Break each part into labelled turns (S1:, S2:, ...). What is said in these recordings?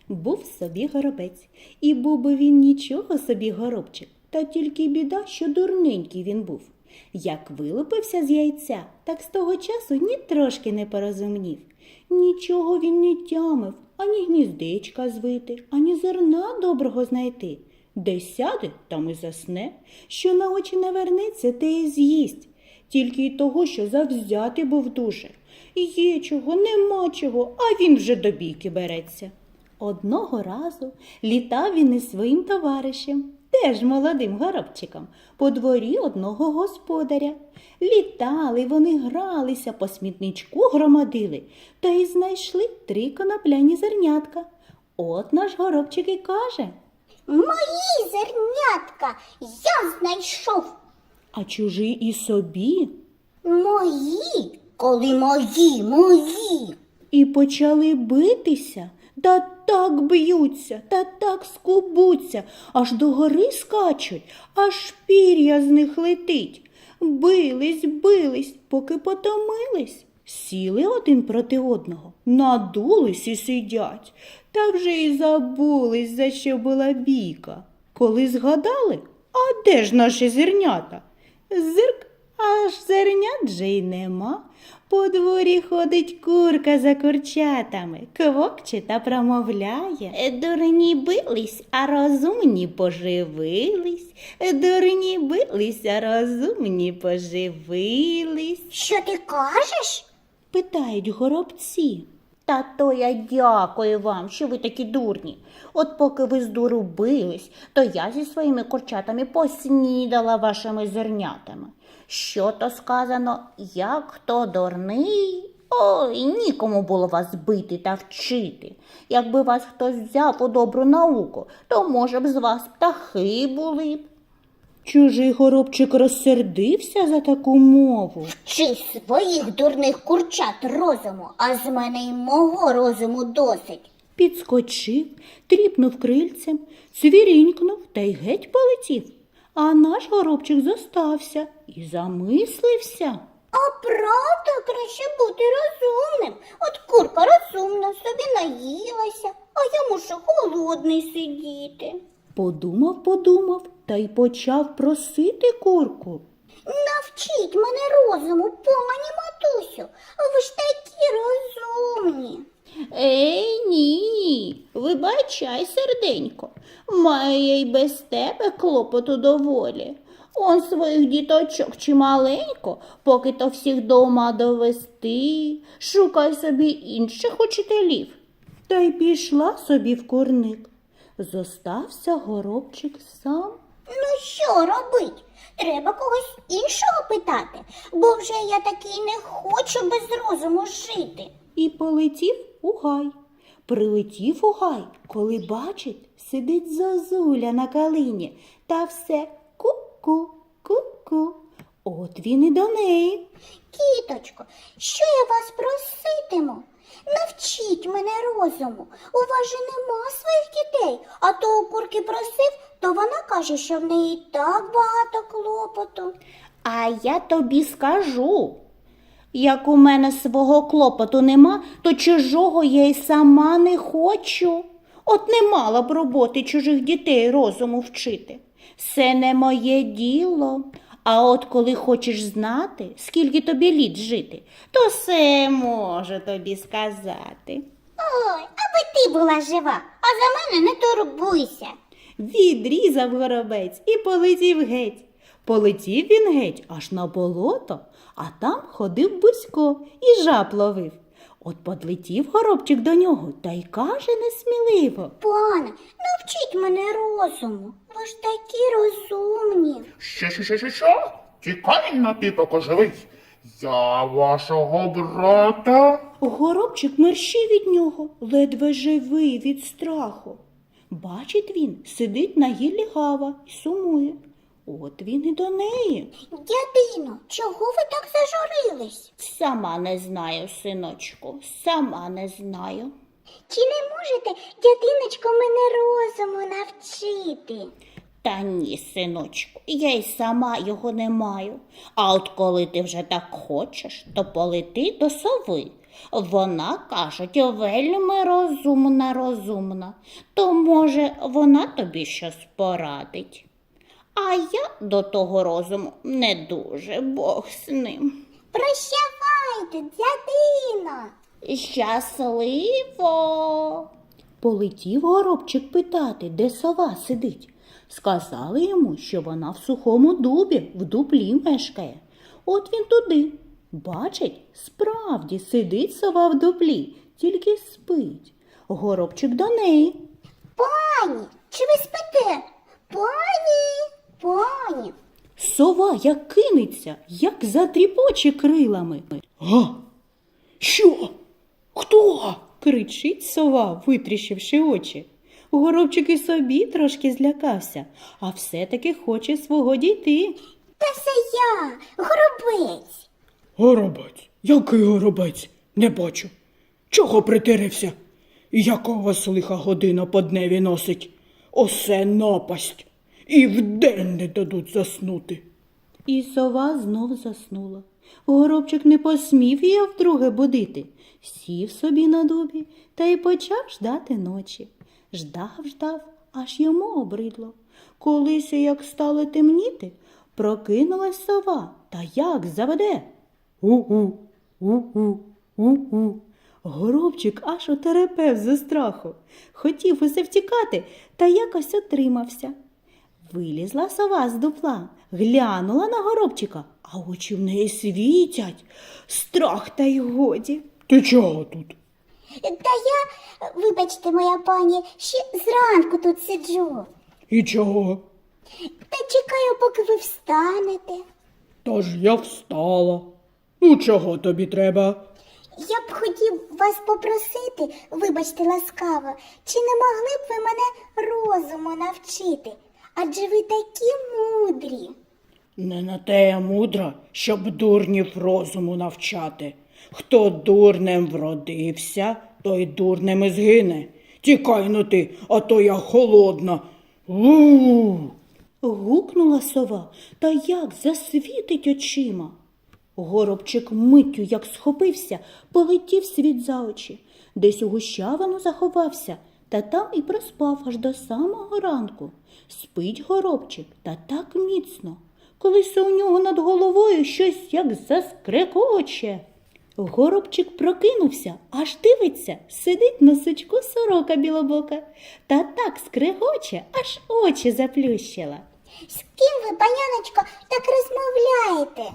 S1: Був собі горобець, і був би він нічого собі горобчик, та тільки біда, що дурненький він був. Як вилупився з яйця, так з того часу ні трошки не порозумнів. Нічого він не тямив, ані гніздечка звити, ані зерна доброго знайти. Де сяде, там і засне, що на очі навернеться, те і з'їсть. Тільки й того, що завзятий був дуже. Є чого, нема чого, а він вже до бійки береться. Одного разу літав він із своїм товаришем, теж молодим горобчиком, по дворі одного господаря. Літали вони, гралися, по смітничку громадили, та й знайшли 3 конопляні зернятка. От наш горобчик і каже:
S2: Мої зернятка я знайшов.
S1: а чужий і собі.
S2: Мої, коли мої.
S1: І почали битися, та так б'ються, та так скубуться, аж до гори скачуть, аж пір'я з них летить. Бились, поки потомились. Сіли один проти одного, надулись і сидять, та вже й забулись, за що була бійка. Коли згадали, а де ж наші зернята? Зирк, аж зернят же й нема. По дворі ходить курка за курчатами, квокче та промовляє: дурні бились, а розумні поживились. Дурні бились, а розумні поживились.
S2: Що ти кажеш?
S1: Питають горобці. Та то я дякую вам, що ви такі дурні. От поки ви з дуру бились, то я зі своїми курчатами поснідала вашими зернятами. Що то сказано, як хто дурний? Ой, нікому було вас бити та вчити. Якби вас хтось взяв у добру науку, то, може б, з вас птахи були б. Чужий горобчик розсердився за таку мову.
S2: Чи своїх дурних курчат розуму, а з мене й мого розуму досить.
S1: Підскочив, тріпнув крильцем, цвірінькнув та й геть полетів. А наш горобчик зостався і замислився.
S2: А правда, краще бути розумним. От курка розумна, собі наїлася, а я мушу голодний сидіти.
S1: Подумав та й почав просити курку.
S2: Навчіть мене розуму, пані матусю, ви ж такі розумні.
S1: Ні, вибачай, серденько, має й без тебе клопоту доволі. Он своїх діточок чималенько, поки то всіх дома довести, шукай собі інших учителів. Та й пішла собі в курник. Зостався горобчик сам.
S2: Ну що робить? Треба когось іншого питати, бо вже я такий не хочу без розуму жити.
S1: І полетів у гай. Прилетів у гай, коли бачить, сидить зозуля на калині, та все ку-ку, ку-ку. От він і до неї.
S2: Кіточко, що я вас проситиму? Навчіть мене розуму. У вас же нема своїх дітей, а то у курки просив, то вона каже, що в неї так багато клопоту.
S1: А я тобі скажу, як у мене свого клопоту нема, то чужого я й сама не хочу. От не мала б роботи чужих дітей розуму вчити. Це не моє діло. А от коли хочеш знати, скільки тобі літ жити, то все можу тобі сказати.
S2: Ой, аби ти була жива, а за мене не турбуйся.
S1: Відрізав горобець і полетів геть. Полетів він геть аж на болото, а там ходив Бузько і жаб ловив. От подлетів горобчик до нього та й каже несміливо:
S2: Пане, навчіть мене розуму. Ви ж такі розумні.
S3: Що? Тікай на піпоку живий. Я вашого брата.
S1: Горобчик мерщив від нього, ледве живий від страху. Бачить він, сидить на гіллі гава і сумує. От він і до неї.
S2: Дядино, чого ви так зажурились?
S1: Сама не знаю, синочку, сама не знаю.
S2: Чи не можете, дядиночко, мене розуму навчити?
S1: Та ні, синочку, я й сама його не маю. А от коли ти вже так хочеш, то полети до сови. Вона, кажуть, вельми розумна, то, може, вона тобі щось порадить. А я до того розуму не дуже, Бог з ним.
S2: Прощавайте, дядино.
S1: Щасливо. Полетів горобчик питати, де сова сидить. Сказали йому, що вона в сухому дубі, в дуплі мешкає. От він туди. Бачить, справді сидить сова в дуплі, тільки спить. Горобчик до неї.
S2: Пані, чи ви спите? Пані.
S1: Сова як кинеться, як затріпоче крилами. «Га? Що? Хто?» – кричить сова, витріщивши очі. Горобчик і собі трошки злякався, а все-таки хоче свого дійти.
S2: Та це я, горобець.
S4: Горобець? Який горобець? Не бачу. Чого притирився? Яка у вас лиха година по дневі носить? Осе напасть. І вдень не дадуть заснути.
S1: І сова знов заснула. Горобчик не посмів її вдруге будити. Сів собі на дубі та й почав ждати ночі. Ждав, аж йому обридло. Колись, як стало темніти, прокинулась сова, та як заведе. У-у, у-у, у-у. Горобчик аж отерепев зі страху. Хотів усе втікати, та якось отримався. Вилізла сова з дупла, глянула на горобчика, а очі в неї світять. Страх та й годі.
S4: Ти чого тут?
S2: Та я, вибачте, моя пані, ще зранку тут сиджу.
S4: І чого?
S2: Та чекаю, поки ви встанете.
S4: Та ж я встала. Ну, чого тобі треба?
S2: Я б хотів вас попросити, вибачте ласкаво, чи не могли б ви мене розуму навчити? Адже ви такі мудрі.
S4: Не на те я мудра, щоб дурнів розуму навчати. Хто дурнем вродився, той дурнем і згине. Тікай ну ти, а то я холодна. У-у-у.
S1: Гукнула сова, та як засвітить очима. Горобчик миттю, як схопився, полетів світ за очі. Десь у гущавину заховався, та там і проспав аж до самого ранку. Спить горобчик, та так міцно. Колись у нього над головою щось як заскрекоче. Горобчик прокинувся, аж дивиться, сидить на сучку сорока білобока. Та так скрегоче, аж очі заплющила.
S2: З ким ви, паняночко, так розмовляєте?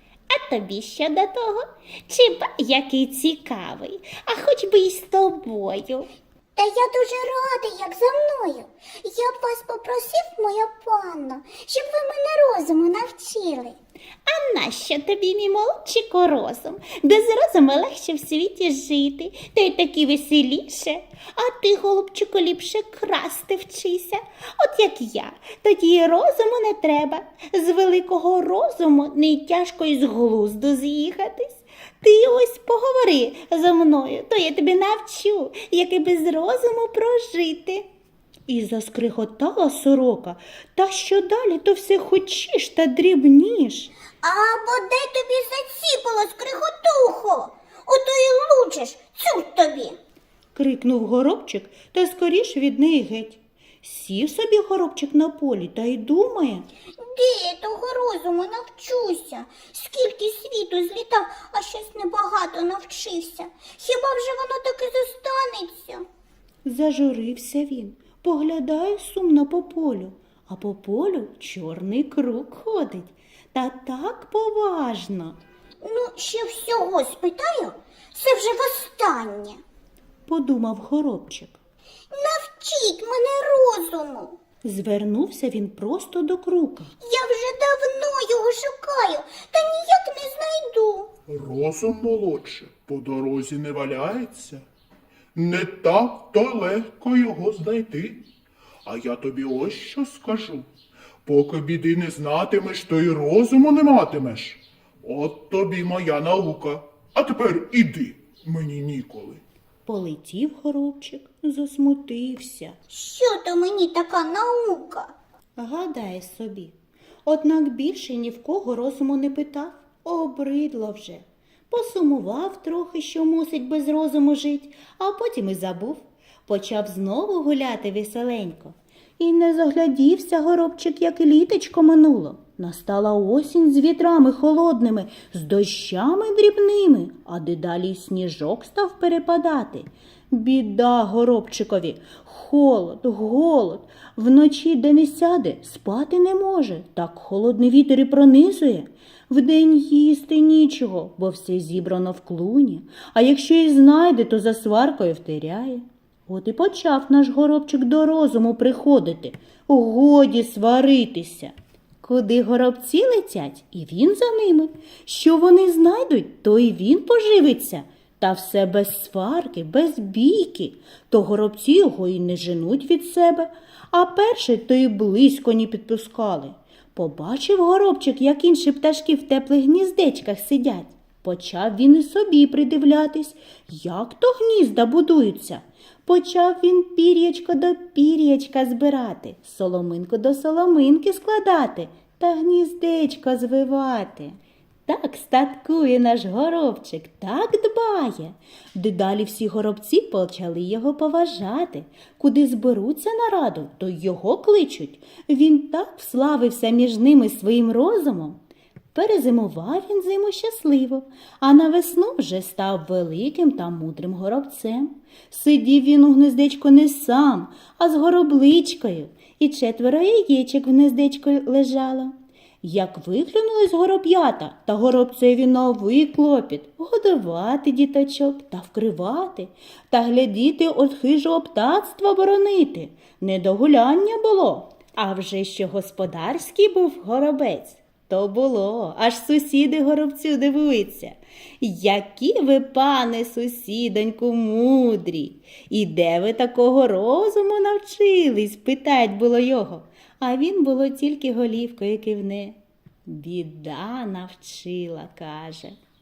S1: А тобі що до того? Чи ба який цікавий, а хоч би й з тобою.
S2: Та я дуже радий, як за мною. Я б вас попросив, моя панно, щоб ви мене розуму навчили.
S1: А нащо тобі, мій молодчику, розум? Без розуму легше в світі жити, та й таки веселіше. А ти, голубчику, ліпше красти вчися. От як я, тоді й розуму не треба. З великого розуму не й тяжко й з глузду з'їхатись. Ти ось поговори зо мною, то я тобі навчу, як і без розуму прожити. І заскриготала сорока, та що далі, то все хочеш та дрібніш.
S2: А бодай тобі заціпало скриготухо, ото й лучиш, цур тобі.
S1: Крикнув горобчик та скоріш від неї геть. Сів собі горобчик на полі та й думає.
S2: Де я того розуму навчуся? Скільки світу злітав, а щось небагато навчився. Хіба вже воно так і зостанеться?
S1: Зажурився він, поглядає сумно по полю, а по полю чорний круг ходить. Та так поважно,
S2: Ну, ще всього спитаю, це вже востаннє.
S1: подумав горобчик.
S2: Навчіть мене розуму.
S1: Звернувся він просто до крука.
S2: Я вже давно його шукаю, та ніяк не знайду.
S3: Розум молодше по дорозі не валяється. Не так то легко його знайти. А я тобі ось що скажу. Поки біди не знатимеш, то й розуму не матимеш. От тобі моя наука. А тепер іди, мені ніколи.
S1: Полетів горобчик, засмутився.
S2: Що то мені така наука?
S1: Гадає собі. Однак більше ні в кого розуму не питав, обридло вже. посумував трохи, що мусить без розуму жить, а потім і забув. Почав знову гуляти веселенько. І не заглядівся горобчик, як і літочко минуло. Настала осінь з вітрами холодними, з дощами дрібними, а дедалі й сніжок став перепадати. Біда горобчикові, холод, голод, вночі де не сяде, спати не може, так холодний вітер і пронизує. Вдень їсти нічого, бо все зібрано в клуні, а якщо і знайде, то за сваркою втиряє. От і почав наш горобчик до розуму приходити, годі сваритися. Куди горобці летять, і він за ними. Що вони знайдуть, то і він поживиться. Та все без сварки, без бійки. То горобці його і не женуть від себе, а перший то й близько не підпускали. Побачив горобчик, як інші пташки в теплих гніздечках сидять. Почав він і собі придивлятись, як то гнізда будуються. Почав він пір'ячко до пір'ячка збирати, соломинку до соломинки складати та гніздечко звивати. Так статкує наш горобчик, так дбає. Дедалі всі горобці почали його поважати. Куди зберуться на раду, то його кличуть. Він так вславився між ними своїм розумом. Перезимував він зиму щасливо, а на весну вже став великим та мудрим горобцем. Сидів він у гнездечку не сам, а з горобличкою, і 4 яєчок в гнездечку лежало. Як виглянули з гороб'ята, та горобцеві новий клопіт – годувати діточок та вкривати, та глядіти от хижого птацтва боронити. Не до гуляння було, а вже що господарський був горобець. То було, аж сусіди горобцю дивуються. Які ви, пане сусідоньку, мудрі! І де ви такого розуму навчились? Питать було його. А він було тільки голівкою кивне. Біда навчила, каже.